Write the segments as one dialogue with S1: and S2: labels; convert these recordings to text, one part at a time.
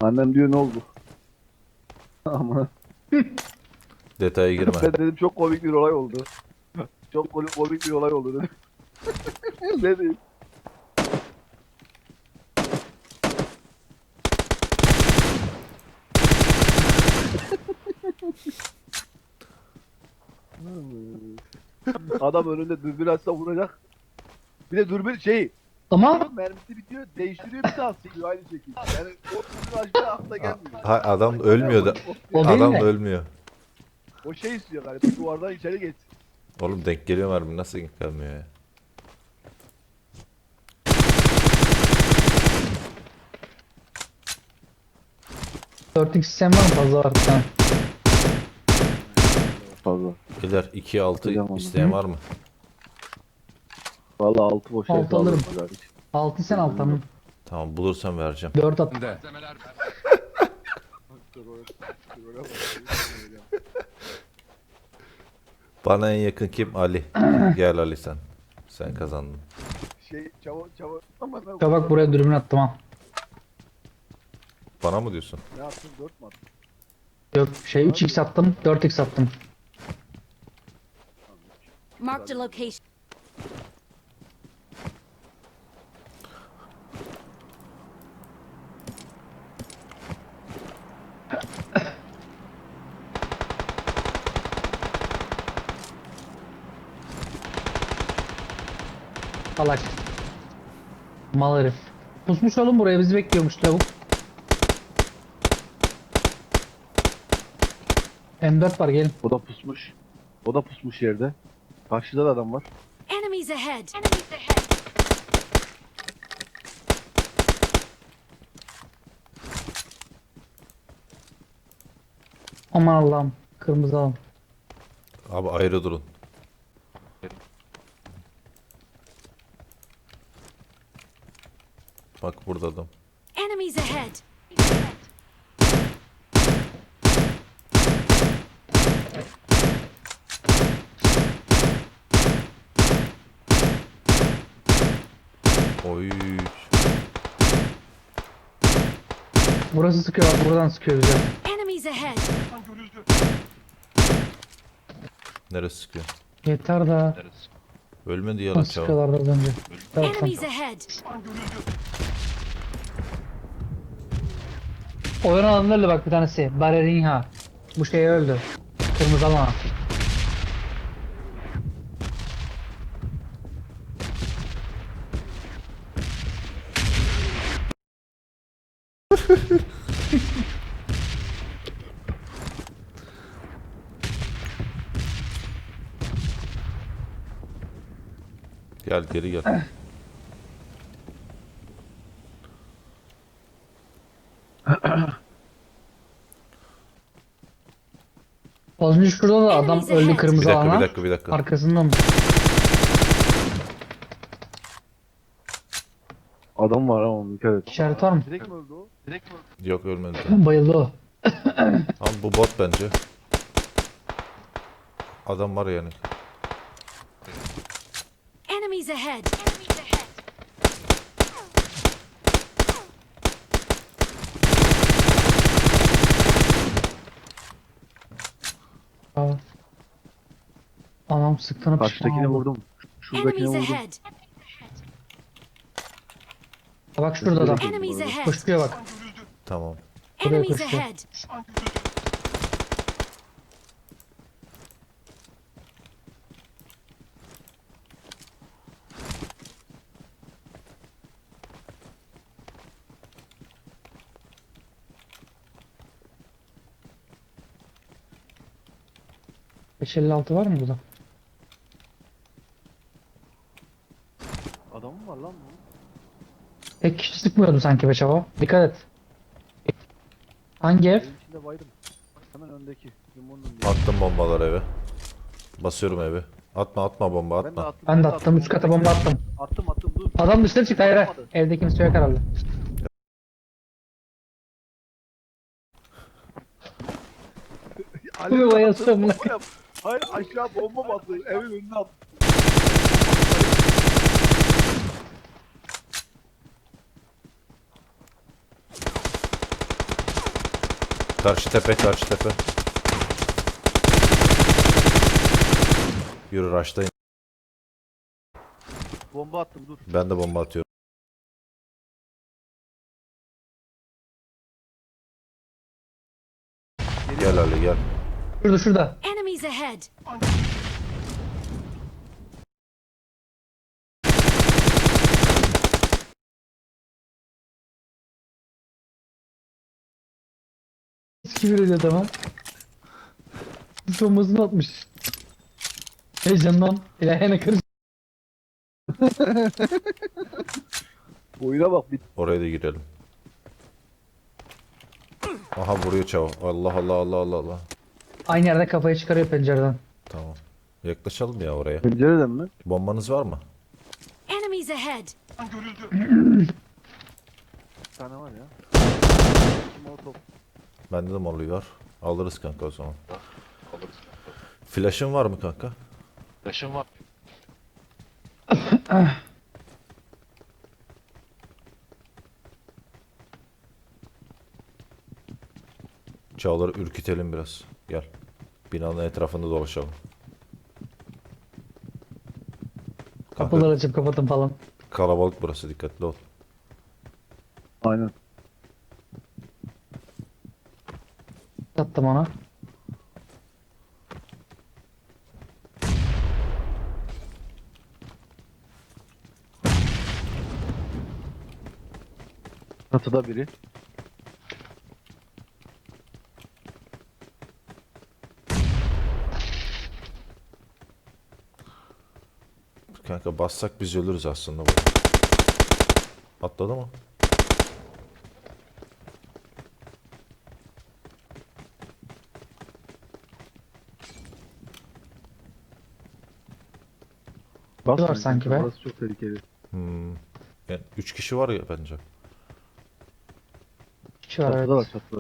S1: Annem diyor ne oldu? Ama
S2: Detaya girme.
S1: ben dedim çok komik bir olay oldu. Çok komik bir olay oldu dedim. Ne diyeyim? Adam önünde dürbün açsa vuracak. Bir de dürbün
S3: Ama
S1: mermisi bitiyor, değiştiriyor bir daha sıkıyor aynı şekilde. Yani o dürbün açmaya akla gelmiyor.
S2: Adam ölmüyor da.
S3: O değil
S2: Adam
S3: mi?
S2: da ölmüyor.
S1: O şey istiyor galiba duvardan içeri geç.
S2: Oğlum denk geliyor mermi, nasıl denk gelmiyor ya?
S3: Dörtlük sistem var mı? Fazla var bir tane.
S1: Fazla.
S2: Beyler 2'ye 6
S1: Atacağım onu.
S2: isteyen var mı?
S1: Valla altı boş yer
S3: Altı alırım.
S1: sağlarım kardeşim.
S3: 6 sen al tamam.
S2: Tamam, bulursam vereceğim.
S3: 4 at.
S2: Bana en yakın kim? Ali. Gel Ali sen. Sen kazandın.
S1: Çabuk. Ama ben
S3: Ya bak buraya dürbün attım ha.
S2: Bana mı diyorsun?
S1: ne yaptın? 4 mü attın?
S3: Yok 3x attım 4x attım.
S4: Marked a location.
S3: Salak. Mal herif. Pusmuş oğlum buraya bizi bekliyormuş lavuk. M4 var gelin.
S1: O da pusmuş. O da pusmuş yerde. Karşıda da adam var.
S4: Enemies ahead.
S3: Aman Allah'ım. Kırmızı alalım.
S2: Abi ayrı durun. Bak burada adam.
S4: Enemies ahead.
S2: Oy.
S3: Burası sıkıyor bak buradan sıkıyor bize.
S4: Enemies ahead.
S2: Neresi sıkıyor?
S3: Yeter daha.
S2: Ölmedi ya lan
S3: Nasıl
S2: çabuk.
S3: sıkıyorlardı az önce. Tamam.
S4: Enemies ahead.
S3: Oyun alanında öldü bak bir tanesi. Balerinha. Bu şey öldü. Kırmızı alana.
S2: Gel geri gel.
S3: Az önce şurada da adam
S4: Enemies
S3: öldü
S4: ahead.
S3: kırmızı
S2: Bir dakika,
S3: alana.
S2: bir dakika, bir dakika.
S3: Arkasında mı?
S1: Adam var ama dikkat et.
S3: İşaret var mı?
S1: Direkt mi öldü o?
S2: Yok, ölmedi de.
S3: Bayıldı o.
S2: Ama bu bot bence. Adam var yani.
S4: Enemies ahead.
S3: Aa. Anam sıktığına
S1: Karşıdakini
S3: pişman oldum.
S1: vurdum. Şuradakini
S4: Enemies
S1: vurdum.
S4: ahead.
S3: Bak şurada adam.
S4: Enemies ahead.
S3: Koşuyor bak.
S2: Tamam.
S3: Buraya
S4: Enemies
S3: koşuyor.
S4: ahead.
S3: %556 var mı burada?
S1: Adam mı var lan bu?
S3: Tek kişi sıkmıyordu sanki be çava. Dikkat et. Hangi ev?
S1: Evin içinde baydım. Hemen öndeki. Limonun önünde.
S2: Attım bombalar eve. Basıyorum evi. Atma bomba,
S1: Ben de
S2: atma.
S1: attım.
S3: Ben de attım. Üst kata bomba attım.
S1: Attım dur.
S3: Adam dışarı çıktı hayır.
S1: Atamadı.
S3: Evde kimse yok herhalde.
S1: Ali
S3: Vay
S1: attı,
S3: aslanım.
S1: bomba yap. Hayır aşağı bomba battı. Evin önüne attı.
S2: Karşı tepe, karşı tepe. Yürü rush'tayım.
S1: Bomba attım dur.
S2: Ben de bomba atıyorum. Gel Ali gel.
S3: Şurada şurada.
S4: Enemies ahead.
S3: Küfür ediyor tamam. Bombasını atmış. Heyecandan ilahine karış.
S1: Oyuna bak bir
S2: Oraya da girelim. Aha vuruyor çav. Allah Allah Allah Allah Allah.
S3: Aynı yerde kafayı çıkarıyor pencereden.
S2: Tamam. Yaklaşalım ya oraya.
S1: pencereden mi?
S2: Bombanız var mı?
S4: Enemies ahead.
S1: Bir tane var ya. Molotov.
S2: Bende de molu var. Alırız kanka o zaman. Flash'ın var mı kanka?
S5: Flash'ım var.
S2: Çağları ürkütelim biraz. Gel. Binanın etrafında dolaşalım. Kanka,
S3: Kapıları açıp kapatın falan.
S2: kalabalık burası, dikkatli ol.
S1: Aynen.
S3: Attım ona.
S1: Çatıda biri.
S2: Kanka bassak biz ölürüz aslında burada. Atladı mı?
S1: Bas
S3: Var
S1: bence,
S3: sanki be.
S1: Burası çok tehlikeli.
S2: Yani 3 kişi var ya bence.
S3: Kişi var
S1: Çatıda var
S3: evet.
S1: çatıda.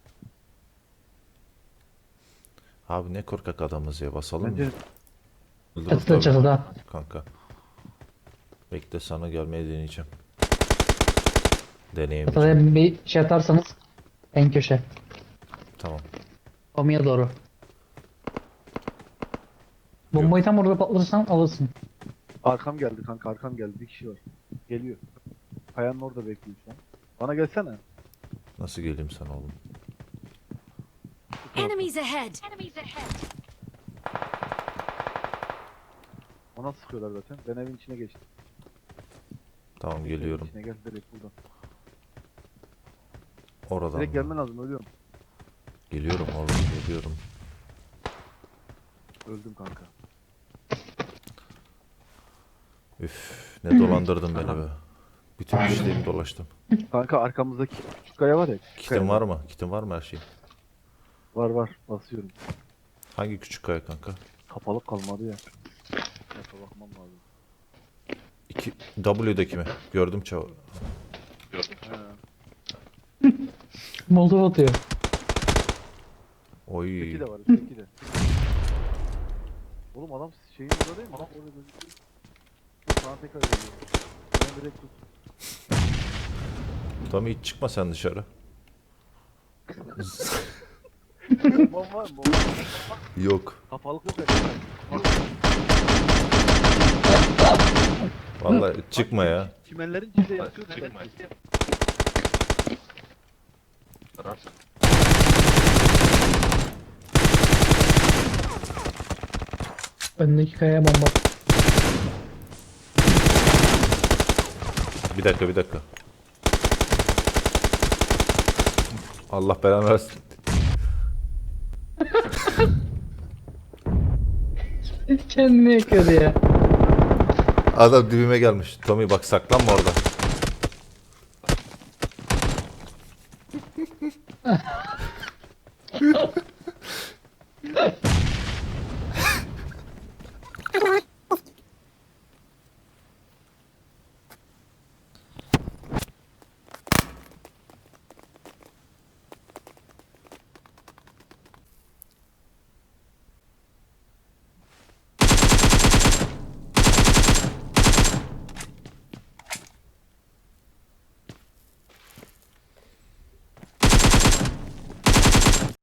S2: Abi ne korkak adamız ya, basalım
S1: Bence
S2: mı? Öldürür
S3: Çatıda
S2: tabii
S3: çatıda.
S2: kanka. Bekle, sana gelmeye deneyeceğim. Deneyemeyeceğim.
S3: Çatıda bir şey atarsanız en köşe.
S2: Tamam.
S3: Komiye doğru. Bombayı tam orada patlatırsan alırsın.
S1: arkam geldi kanka, arkam geldi. Bir kişi var. Geliyor. Kayanın orada bekliyor şu an. Bana gelsene.
S2: Nasıl geleyim sana oğlum?
S4: Enemies ahead. Enemies ahead.
S1: Ona sıkıyorlar zaten. Ben evin içine geçtim.
S2: Tamam geliyorum.
S1: Evin içine gel direkt buradan.
S2: Oradan.
S1: Direkt
S2: mı?
S1: gelmen lazım, ölüyorum.
S2: Geliyorum oradan geliyorum.
S1: Öldüm kanka.
S2: Üf, ne dolandırdın beni be. Bütün işlerimi dolaştım.
S1: Kanka arkamızdaki küçük kaya var ya. küçük
S2: Kitin
S1: kaya.
S2: var mı? Kitin var mı her şey?
S1: Var var, basıyorum.
S2: Hangi küçük kaya kanka?
S1: Kapalı kalmadı ya. Neyse bakmam lazım.
S2: 2 W'deki mi? Gördüm çav.
S1: He.
S3: Molotov atıyor.
S2: Oy.
S1: Öteki de var, öteki de. Oğlum adam şeyin orada değil mi? Bak orada gözüküyor. Dur, sana tekrar geliyor. Ben direkt tut.
S2: Tamam, hiç çıkma sen dışarı.
S1: Bomba var mı? Bomba.
S2: Yok.
S1: Kapalık yok ya.
S2: Vallahi çıkma ya.
S1: Çimenlerin içinde yatıyor.
S5: Çıkma. Ararsan.
S3: Öndeki kayaya bomba.
S2: Bir dakika bir dakika. Allah belanı versin.
S3: Kendini yakıyordu ya.
S2: Adam dibime gelmiş. Tommy bak, saklanma orada.